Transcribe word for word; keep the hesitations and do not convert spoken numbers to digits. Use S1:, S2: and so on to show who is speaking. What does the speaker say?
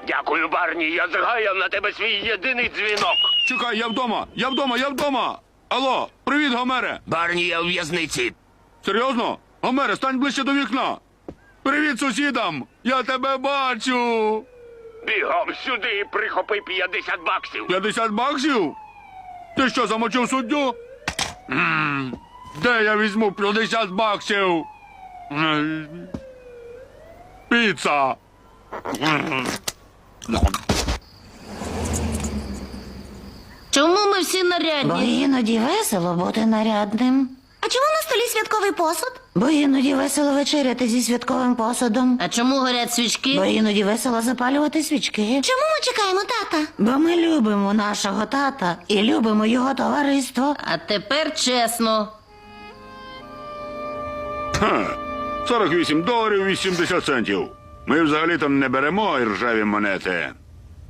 S1: Дякую, Барні, я згаяв на тебе свій єдиний дзвінок.
S2: Чекай, я вдома! Я вдома, я вдома! Алло, привіт, Гомере!
S1: Барні, я у в'язниці.
S2: Серйозно? Гомере, стань ближче до вікна! Привіт сусідам! Я тебе бачу!
S1: Бігом сюди і прихопи п'ятдесят баксів.
S2: п'ятдесят баксів? Ти що, замочив суддю? М, Де я візьму п'ятдесят баксів? М, Піца!
S3: Чому ми всі нарядні?
S4: Бо іноді весело бути нарядним.
S5: А чому на столі святковий посуд?
S4: Бо іноді весело вечеряти зі святковим посудом.
S3: А чому горять свічки?
S4: Бо іноді весело запалювати свічки.
S5: Чому ми чекаємо тата?
S4: Бо ми любимо нашого тата і любимо його товариство.
S3: А тепер чесно.
S2: Ха, сорок вісім доларів вісімдесят центів. Ми взагалі-то не беремо іржаві монети.